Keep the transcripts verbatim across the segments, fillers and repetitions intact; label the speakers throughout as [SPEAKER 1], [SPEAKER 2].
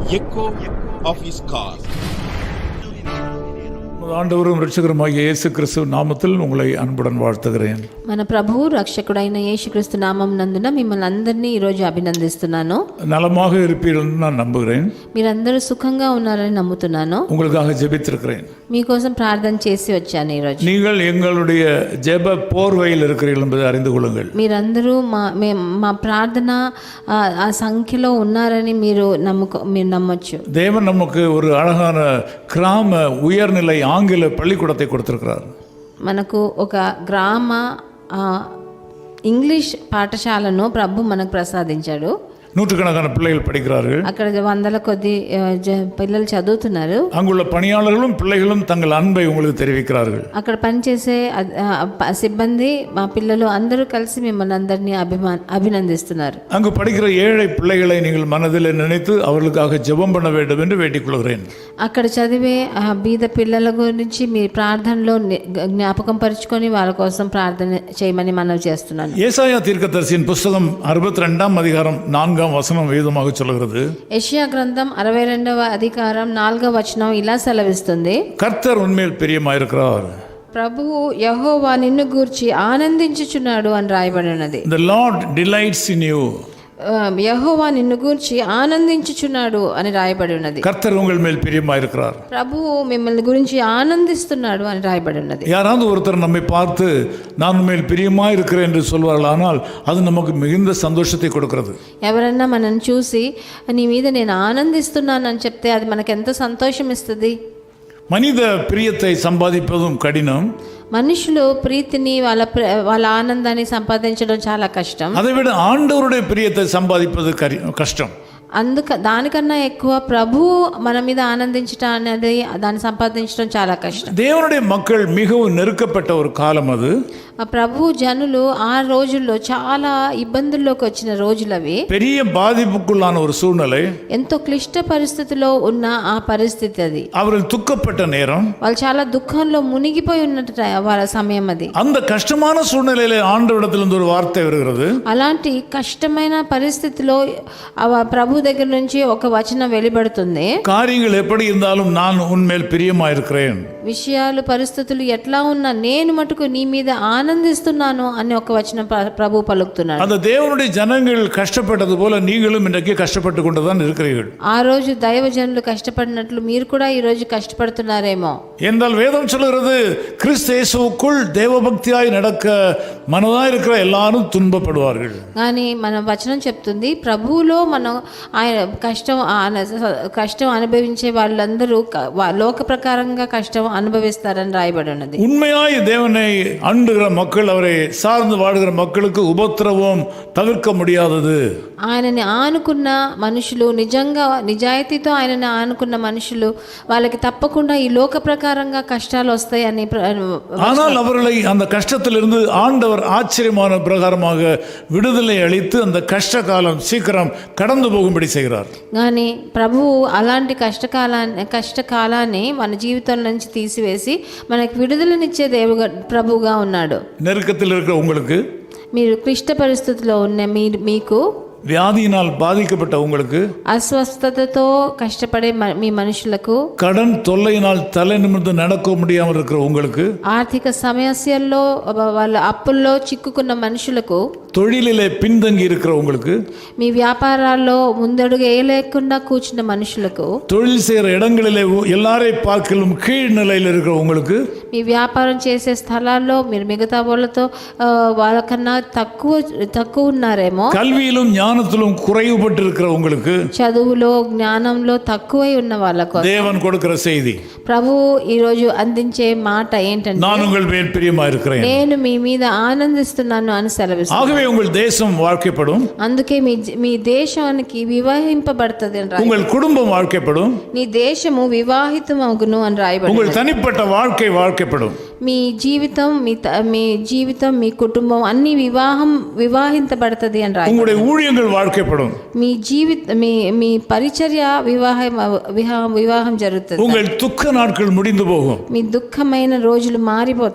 [SPEAKER 1] echo of his call.
[SPEAKER 2] ஆண்டவரும் இரட்சகருமாகிய இயேசு கிறிஸ்து நாமத்தில் உங்களை அன்புடன் வாழ்த்துகிறேன்.
[SPEAKER 3] మన ప్రభువు రక్షకుడైన యేసుక్రీస్తు నామం నందున మిమ్మల్ని అందరినీ ఈ రోజు అభినందిస్తున్నాను.
[SPEAKER 2] நலமாக இருப்பீர்கள் என்று நான் நம்புகிறேன்.
[SPEAKER 3] మీరందరూ సుఖంగా ఉన్నారని నమ్ముతున్నాను.
[SPEAKER 2] உங்களுக்காக ஜெபித்திருக்கிறேன்.
[SPEAKER 3] మీకోసం ప్రార్థన చేసి వచ్చాను ఈ రోజు.
[SPEAKER 2] நீங்கள் எங்களுடைய ஜெப போர்வையில் இருக்கிறீர்கள் என்பதை அறிந்து கொள்ளுங்கள்.
[SPEAKER 3] మీరందరూ మా మా ప్రార్థన ఆ సంఖ్యలో ఉన్నారని మీరు నమ్ముకో మీరు నమ్మొచ్చు.
[SPEAKER 2] தேவன் நமக்கு ஒரு அழகான கிராம உயர்நிலை ஆங்கில பள்ளிக்கூடத்தை கொடுத்திருக்கிறார்.
[SPEAKER 3] మనకు ఒక గ్రామ ఇంగ్లీష్ పాఠశాలను ప్రభు మనకు ప్రసాదించాడు.
[SPEAKER 2] நூற்றுக்கணக்கான பிள்ளைகள் படிக்கிறார்கள்.
[SPEAKER 3] అక్కడ వందల కొద్ది పిల్లలు చదువుతున్నారు.
[SPEAKER 2] அங்குள்ள பணியாளர்களும் பிள்ளைகளும் தங்கள் அன்பை உங்களுக்கு தெரிவிக்கிறார்கள்.
[SPEAKER 3] అక్కడ పనిచేసే సిబ్బంది మా పిల్లలు అందరూ కలిసి మిమ్మల్ని అందరినీ అభిమాన్ అభినందిస్తున్నారు.
[SPEAKER 2] அங்கு படிக்கிற ஏழை பிள்ளைகளை நீங்கள் மனதில் நினைத்து அவர்களுக்காக ஜெபம் பண்ண வேண்டும் என்று வேண்டிக் கொள்கிறேன்.
[SPEAKER 3] అక్కడ చదివే బీద పిల్లల గురించి మీ ప్రార్థనలో జ్ఞాపకం పరుచుకొని వాళ్ళ కోసం ప్రార్థన చేయమని మనవి చేస్తున్నాను.
[SPEAKER 2] ஏசாயா தீர்க்கதரிசியின் புத்தகம் அறுபத்தி ரெண்டாம் அதிகாரம் நான்காம் வசனம் வேதமாக சொல்கிறது.
[SPEAKER 3] యెషయా గ్రంథం అరవై రెండవ అధికారం నాలుగవ వచనం ఇలా సెలవిస్తుంది.
[SPEAKER 2] கர்த்தர் உன்மேல் பிரியமாயிருக்கிறார்.
[SPEAKER 3] ప్రభువు యెహోవా నిన్ను గూర్చి ఆనందించుచున్నాడు అని రాయబడి ఉన్నది.
[SPEAKER 2] The Lord delights in you.
[SPEAKER 3] యెహోవా నిన్ను గూర్చి ఆనందించుచున్నాడు అని రాయబడి ఉన్నది.
[SPEAKER 2] கர்த்தர் உங்கள் மேல் பிரியமாயிருக்கிறார்.
[SPEAKER 3] ప్రభువు మిమ్మల్ని గురించి ఆనందిస్తున్నాడు అని రాయబడి ఉన్నది.
[SPEAKER 2] யாராவது ஒருத்தர் நம்மை பார்த்து நான் உண்மையில் பிரியமா இருக்கிறேன் என்று சொல்வார்கள், ஆனால் அது நமக்கு மிகுந்த சந்தோஷத்தை கொடுக்கிறது.
[SPEAKER 3] ఎవరన్నా మనల్ని చూసి నీ మీద నేను ఆనందిస్తున్నాను అని చెప్తే అది మనకు ఎంత సంతోషం ఇస్తుంది.
[SPEAKER 2] மனித பிரியத்தை சம்பாதிப்பதும் கடினம்.
[SPEAKER 3] మనుషులు ప్రీతిని వాళ్ళ వాళ్ళ ఆనందాన్ని సంపాదించడం చాలా కష్టం.
[SPEAKER 2] அதை விட ஆண்டவருடைய பிரியத்தை சம்பாதிப்பது கஷ்டம்.
[SPEAKER 3] అందుక దానికన్నా ఎక్కువ ప్రభు మన మీద ఆనందించడం అనేది దాన్ని సంపాదించడం చాలా కష్టం.
[SPEAKER 2] தேவனுடைய மக்கள் மிகவும் நெருக்கப்பட்ட ஒரு காலம் அது.
[SPEAKER 3] ఆ ప్రభు జనులు ఆ రోజుల్లో చాలా ఇబ్బందుల్లోకి వచ్చిన రోజులవి.
[SPEAKER 2] பெரிய பாதிப்புக்குள்ளான ஒரு சூழ்நிலை,
[SPEAKER 3] ఎంతో క్లిష్ట పరిస్థితిలో ఉన్న ఆ పరిస్థితి అది.
[SPEAKER 2] அவர்கள் துக்கப்பட்ட நேரம்,
[SPEAKER 3] వాళ్ళు చాలా దుఃఖంలో మునిగిపోయి ఉన్నట్టు వాళ్ళ సమయం అది.
[SPEAKER 2] அந்த கஷ்டமான சூழ்நிலையில ஆண்டவரிடத்திலிருந்து ஒரு வார்த்தை வருகிறது.
[SPEAKER 3] అలాంటి కష్టమైన పరిస్థితిలో ప్రభు దగ్గర నుంచి ఒక వచనం వెలువడుతుంది.
[SPEAKER 2] కార్యங்கள் எப்படி இருந்தாலும் நான் உன்மேல் பிரியமா இருக்கிறேன்.
[SPEAKER 3] విషయాలు పరిస్థితులు ఎట్లా ఉన్నా నేను మటుకు నీ మీద ఆనందిస్తున్నాను అని ఒక వచనం ప్రభు పలుకుతున్నాడు.
[SPEAKER 2] அந்த தேவனுடைய ஜனங்கள் கஷ்டப்பட்டது போல நீங்களும் இன்றைக்கு கஷ்டப்பட்டு கொண்டுதான் இருக்கிறீர்கள்.
[SPEAKER 3] ఆ రోజు దైవజనులు కష్టపడినట్లు మీరు కూడా ఈ రోజు కష్టపడుతున్నారేమో.
[SPEAKER 2] என்றால் வேதம் சொல்கிறது, கிறிஸ்து இயேசுவுக்குள் தேவபக்தியாய் நடக்க మనదాయి இருக்கிற எல்லாரும் துன்பப்படுவார்கள்.
[SPEAKER 3] కానీ మన వచనం చెప్తుంది ప్రభువులో మనం ఆయన కష్టం కష్టం అనుభవించే వాళ్ళందరూ లోక ప్రకారంగా కష్టం అనుభవిస్తారని రాయబడి ఉన్నది.
[SPEAKER 2] உண்மையாய் தேவனை அண்டுகிற மக்கள், அவரை சார்ந்து வாழுகிற மக்களுக்கு உபத்திரவம் தவிர்க்க முடியாதது.
[SPEAKER 3] ఆయనని ఆనుకున్న మనుషులు, నిజంగా నిజాయితీతో ఆయనని ఆనుకున్న మనుషులు, వాళ్ళకి తప్పకుండా ఈ లోక ప్రకారంగా కష్టాలు వస్తాయని.
[SPEAKER 2] ஆனால் அவர்களை அந்த கஷ்டத்திலிருந்து ஆண்டவர் ஆச்சரியமான பிரகாரமாக விடுதலை அளித்து அந்த கஷ்ட காலம் சீக்கிரம் கடந்து போகும்படி செய்கிறார்.
[SPEAKER 3] కానీ ప్రభువు అలాంటి కష్టకాలాన్ని కష్టకాలాన్ని మన జీవితం నుంచి తీసివేసి మనకు విడుదలనిచ్చే దేవుగా ప్రభువుగా ఉన్నాడు.
[SPEAKER 2] நெருக்கத்தில் இருக்கிற உங்களுக்கு,
[SPEAKER 3] మీరు క్లిష్ట పరిస్థితిలో ఉన్న మీరు మీకు
[SPEAKER 2] வியாதியினால் பாதிக்கப்பட்ட உங்களுக்கு,
[SPEAKER 3] అస్వస్థతతో కష్టపడే మీ మనుషులకు,
[SPEAKER 2] கடன் தொல்லையினால் தலை நிமிர்ந்து நடக்க முடியாமல் இருக்கிற உங்களுக்கு,
[SPEAKER 3] ఆర్థిక సమస్యల్లో వాళ్ళ అప్పుల్లో చిక్కుకున్న మనుషులకు,
[SPEAKER 2] தொழிலிலே பின்தங்கி இருக்கிற உங்களுக்கு,
[SPEAKER 3] మీ వ్యాపారాల్లో ముందడుగు వేయలేకుండా కూర్చున్న మనుషులకు,
[SPEAKER 2] தொழில் செய்கிற இடங்களிலே எல்லாரை பார்க்கலும் கீழ் நிலையில் இருக்கிற உங்களுக்கு,
[SPEAKER 3] మీ వ్యాపారం చేసే స్థలాల్లో మీరు మిగతా వాళ్ళతో వాళ్ళకన్నా తక్కువ తక్కువ ఉన్నారేమో,
[SPEAKER 2] கல்வியிலும் ஞானத்திலும் குறைவுபட்டு இருக்கிற உங்களுக்கு,
[SPEAKER 3] చదువులో జ్ఞానంలో తక్కువై ఉన్న వాళ్ళకు
[SPEAKER 2] தேவன் கொடுக்கிற செய்தி,
[SPEAKER 3] ప్రభువు ఈ రోజు అందించే మాట ఏంటంటే,
[SPEAKER 2] நான் உங்கள் மேல் பிரியமா இருக்கிறேன்,
[SPEAKER 3] నేను మీ మీద ఆనందిస్తున్నాను అని సెలవిస్తున్నాను.
[SPEAKER 2] ஆகவே உங்கள் தேசம் வாழ்க்கைப்படும்,
[SPEAKER 3] అందుకే మీ మీ దేశానికి వివాహింపబడుతుంది అని రాయబడింది.
[SPEAKER 2] உங்கள் குடும்பம் வாழ்க்கைப்படும்,
[SPEAKER 3] నీ దేశము వివాహితమగును అని రాయబడింది.
[SPEAKER 2] உங்கள் தனிப்பட்ட வாழ்க்கை வாழ்க்கைப்படும்,
[SPEAKER 3] మీ జీవితం మీ మీ జీవితం మీ కుటుంబం అన్ని వివాహం వివాహించబడుతుంది అని రాయబడింది.
[SPEAKER 2] உங்களுடைய ஊழியங்கள் வாழ்க்கைப்படும்,
[SPEAKER 3] మీ జీవిత మీ మీ పరిచర్య వివాహం వివాహం జరుగుతుంది.
[SPEAKER 2] உங்கள் துக்க நாட்கள் முடிந்து போகும்,
[SPEAKER 3] మీ దుఃఖమైన రోజులు మారిపోతాయి.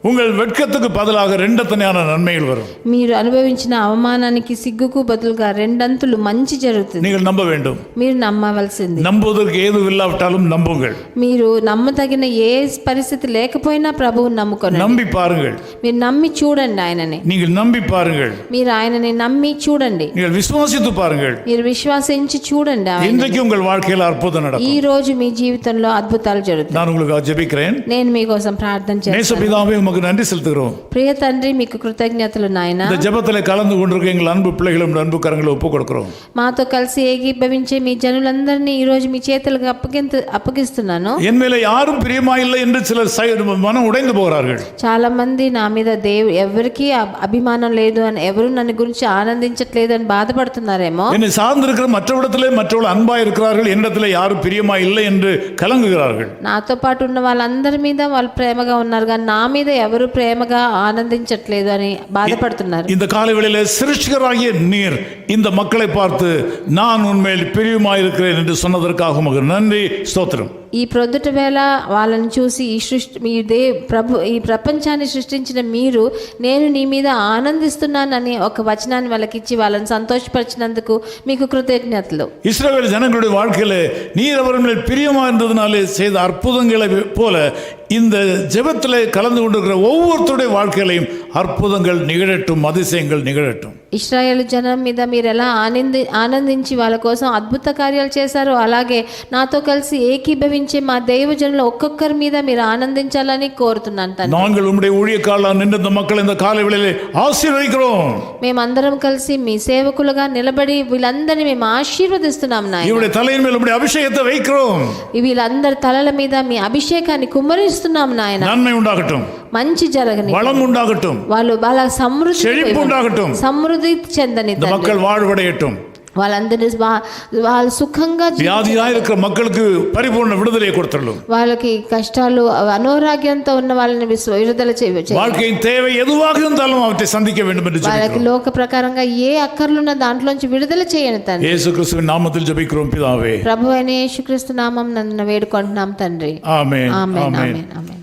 [SPEAKER 2] உங்கள் வெட்கத்துக்கு பதிலாக ரெண்டத்தனையான நன்மைகள் வரும்.
[SPEAKER 3] మీరు అనుభవించిన అవమానానికి సిగ్గుకు బదులుగా రెండంతులు మంచి జరుగుతుంది.
[SPEAKER 2] நீங்கள் நம்ப வேண்டும்.
[SPEAKER 3] మీరు నమ్మవలసింది.
[SPEAKER 2] நம்புவதற்கு ஏதும் இல்லாவிட்டாலும் நம்புங்கள்.
[SPEAKER 3] మీరు నమ్మదగిన ఏ పరిస్థితి లేకపోయినా ప్రభువుని నమ్ముకోండి.
[SPEAKER 2] நம்பி பாருங்கள்.
[SPEAKER 3] మీరు నమ్మి చూడండి ఆయనని.
[SPEAKER 2] நீங்கள் நம்பி பாருங்கள்.
[SPEAKER 3] మీరు ఆయనని నమ్మి చూడండి.
[SPEAKER 2] நீங்கள் విశ్వాసిத்து பாருங்கள்.
[SPEAKER 3] మీరు విశ్వాసించి చూడండి.
[SPEAKER 2] இன்றைக்கு உங்கள் வாழ்க்கையில் அற்புதம் நடக்கும்.
[SPEAKER 3] ఈ రోజు మీ జీవితంలో అద్భుతాలు జరుగుతాయి.
[SPEAKER 2] நான் உங்களுக்கு ஜெபிக்கிறேன்.
[SPEAKER 3] నేను మీకోసం ప్రార్థన చేస్తాను.
[SPEAKER 2] நேசபிதாவே உமக்கு நன்றி செலுத்துகிறோம்.
[SPEAKER 3] ప్రియ తండ్రి మీకు కృతజ్ఞతలు నాయన.
[SPEAKER 2] இந்த ஜெபத்திலே கலந்து கொண்டிருக்கிற எங்கள் அன்பு பிள்ளைகளும் அன்பு கரங்களை ஒப்புக் கொடுக்கிறோம்.
[SPEAKER 3] మాతో కలిసి ఏకీభవించే మీ జనులందరినీ ఈ రోజు మీ చేతులకు అప్పగింత అప్పగిస్తున్నాను.
[SPEAKER 2] என் மேல யாரும் பிரியமா இல்லை என்று சிலர் மனம் உடைந்து போகிறார்கள்.
[SPEAKER 3] చాలా మంది నా మీద దేవు ఎవరికి అభిమానం లేదు అని, ఎవరు నన్ను గురించి ఆనందించట్లేదు అని బాధపడుతున్నారేమో.
[SPEAKER 2] என்னை சார்ந்திருக்கிற மற்றவிடத்திலே மற்றவர்கள் அன்பா இருக்கிறார்கள், என்னிடத்திலே யாரும் பிரியமா இல்லை என்று கலங்குகிறார்கள்.
[SPEAKER 3] నాతో పాటు ఉన్న వాళ్ళందరి మీద వాళ్ళు ప్రేమగా ఉన్నారు కానీ నా మీద ఎవరు ప్రేమగా ఆనందించట్లేదు అని బాధపడుతున్నారు.
[SPEAKER 2] இந்த காலை வேளையிலே சிருஷ்டிகராகிய நீர் இந்த மக்களை பார்த்து நான் உண்மையில் பிரியமா இருக்கிறேன் என்று சொன்னதற்காக உமக்கு நன்றி, ஸ்தோத்திரம்.
[SPEAKER 3] ఈ ప్రొద్దుట వేళ వాళ్ళని చూసి ఈ సృష్టి మీ దే ప్రభు ఈ ప్రపంచాన్ని సృష్టించిన మీరు నేను నీ మీద ఆనందిస్తున్నానని ఒక వచనాన్ని వాళ్ళకి ఇచ్చి వాళ్ళని సంతోషపరిచినందుకు మీకు కృతజ్ఞతలు.
[SPEAKER 2] இஸ்ரவேல் ஜனங்களுடைய வாழ்க்கையிலே நீர் அவர் மேல் பிரியமா இருந்ததினாலே செய்த அற்புதங்களை போல இந்த ஜெபத்திலே கலந்து கொண்டிருக்கிற ஒவ்வொருத்தருடைய வாழ்க்கையிலையும் அற்புதங்கள் நிகழட்டும், அதிசயங்கள் நிகழட்டும்.
[SPEAKER 3] ఇశ్రాయేలు జనం మీద మీరు ఎలా ఆనంది ఆనందించి వాళ్ళ కోసం అద్భుత కార్యాలు చేశారో అలాగే నాతో కలిసి ఏకీభవించే మా దైవజనులు ఒక్కొక్కరి మీద మీరు ఆనందించాలని కోరుతున్నాను తండ్రి.
[SPEAKER 2] நாங்கள் உம்முடைய ஊழியக்காரர்களாக நின்ற இந்த மக்கள் இந்த காலை வேளையிலே ஆசீர்வதிக்கிறோம்.
[SPEAKER 3] మేమందరం కలిసి మీ సేవకులుగా నిలబడి వీళ్ళందరినీ మేము ఆశీర్వదిస్తున్నాం నాయన.
[SPEAKER 2] இவருடைய தலையின் மேல் உம்முடைய అభిషేకத்தை வைக்கிறோம்.
[SPEAKER 3] వీళ్ళందరి తలల మీద మీ అభిషేకాన్ని కుమ్మరిస్తున్నాం నాయన.
[SPEAKER 2] நன்மை உண்டாகட்டும்,
[SPEAKER 3] మంచి జరగని,
[SPEAKER 2] வளம் உண்டாகட்டும்,
[SPEAKER 3] వాళ్ళు వాళ్ళ సమృద్ధి
[SPEAKER 2] செழிப்பு உண்டாகட்டும்,
[SPEAKER 3] సమృద్ధి చెందని,
[SPEAKER 2] இந்த மக்கள் வாழ்வடையட்டும்.
[SPEAKER 3] వాళ్ళందరూ వాళ్ళు సుఖంగా,
[SPEAKER 2] వ్యాధిగా இருக்கிற மக்களுக்கு పరిపూర్ణ విడుదల கொடுத்துள்ளோம்.
[SPEAKER 3] వాళ్ళకి కష్టాలు అనారోగ్యంతో ఉన్న వాళ్ళని విడుదల చేయవచ్చు.
[SPEAKER 2] வாழ்க்கையின் தேவை எதுவாக இருந்தாலும் அவற்றை சந்திக்க வேண்டும் என்று
[SPEAKER 3] వాళ్ళకి లోక ప్రకారంగా ఏ అక్కర్లున్న దాంట్లోంచి విడుదల చేయను తండ్రి.
[SPEAKER 2] యేసుక్రీస్తువిன் నామத்தில் జెபிக்கிறோம் పితావే.
[SPEAKER 3] ప్రభువైన యేసుక్రీస్తు నామం నన్ను వేడుకుంటున్నాం తండ్రి.
[SPEAKER 2] ఆమేన్
[SPEAKER 3] ఆమేన్ ఆమేన్ ఆమేన్.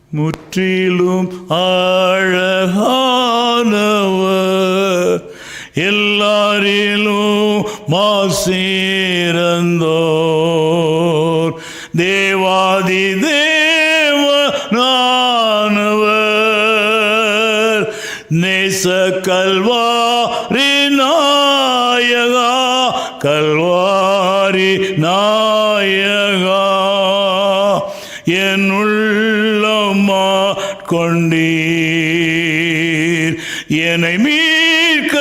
[SPEAKER 2] முற்றிலும் அழகானவர், எல்லாரிலும் மாசிறந்தோர், தேவாதி தேவனானவர், நேச கல்வாரி நாயகா, கல்வாரி நாயகா, என் உள்ளமா கொண்டீர், என்னை மீட்க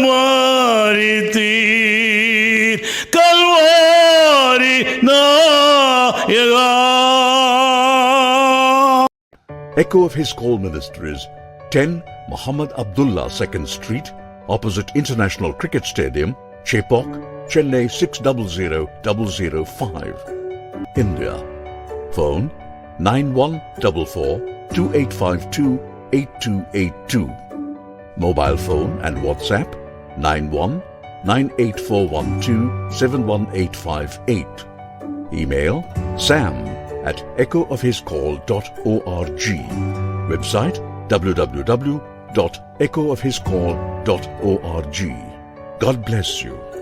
[SPEAKER 2] மாறித்தீர், கல்வாரி நாயகா.
[SPEAKER 4] Echo of His Call Ministries, ten Muhammad Abdullah second Street, opposite International Cricket Stadium, Chepauk, Chennai six zero zero zero zero five, India. Phone nine one four four two eight five two eight two eight two. Mobile phone and WhatsApp nine one nine eight four one two seven one eight five eight. Email sam at echo of his call dot org. Website w w w dot echo of his call dot org. God bless you.